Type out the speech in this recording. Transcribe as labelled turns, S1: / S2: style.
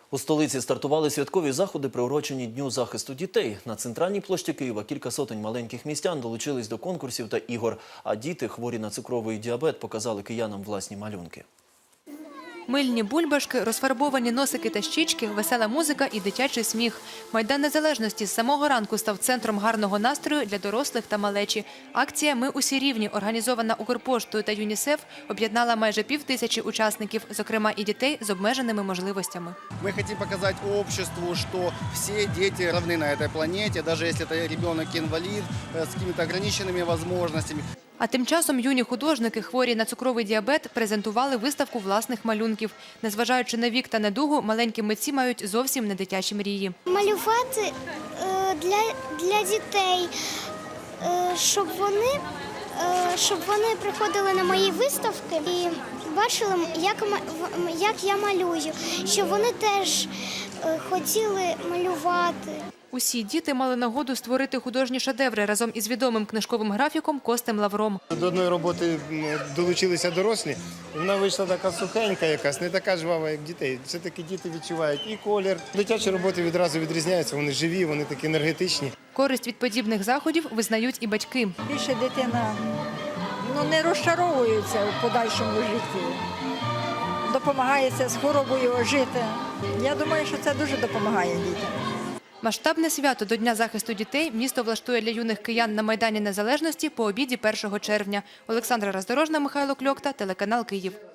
S1: У столиці стартували святкові заходи, приурочені Дню захисту дітей. На центральній площі Києва кілька сотень маленьких містян долучились до конкурсів та ігор. А діти, хворі на цукровий діабет, показали киянам власні малюнки.
S2: Мильні бульбашки, розфарбовані носики та щічки, весела музика і дитячий сміх. Майдан Незалежності з самого ранку став центром гарного настрою для дорослих та малечі. Акція «Ми усі рівні», організована Укрпоштою та ЮНІСЕФ, об'єднала майже 5000 учасників, зокрема і дітей з обмеженими можливостями.
S3: Мы хотим показать обществу, что все дети равны на этой планете, даже если это ребенок-инвалид с какими-то ограниченными возможностями.
S2: А тим часом юні художники, хворі на цукровий діабет, презентували виставку власних малюнків. Незважаючи на вік та недугу, маленькі митці мають зовсім не дитячі мрії.
S4: Малювати для дітей, щоб вони приходили на мої виставки і бачили, як я малюю, щоб вони теж хотіли малювати.
S2: Усі діти мали нагоду створити художні шедеври разом із відомим книжковим графіком Костем Лавром.
S5: До одної роботи долучилися дорослі, вона вийшла така сухенька якась, не така жвава, як дітей. Все-таки діти відчувають і колір. Дитячі роботи відразу відрізняються, вони живі, вони такі енергетичні.
S2: Користь від подібних заходів визнають і батьки.
S6: Більше дитина не розчаровується у подальшому житті. Допомагається з хворобою жити. Я думаю, що це дуже допомагає дітям.
S2: Масштабне свято до Дня захисту дітей місто влаштує для юних киян на Майдані Незалежності по обіді 1 червня. Олександра Роздорожна, Михайло Кльокта, телеканал «Київ».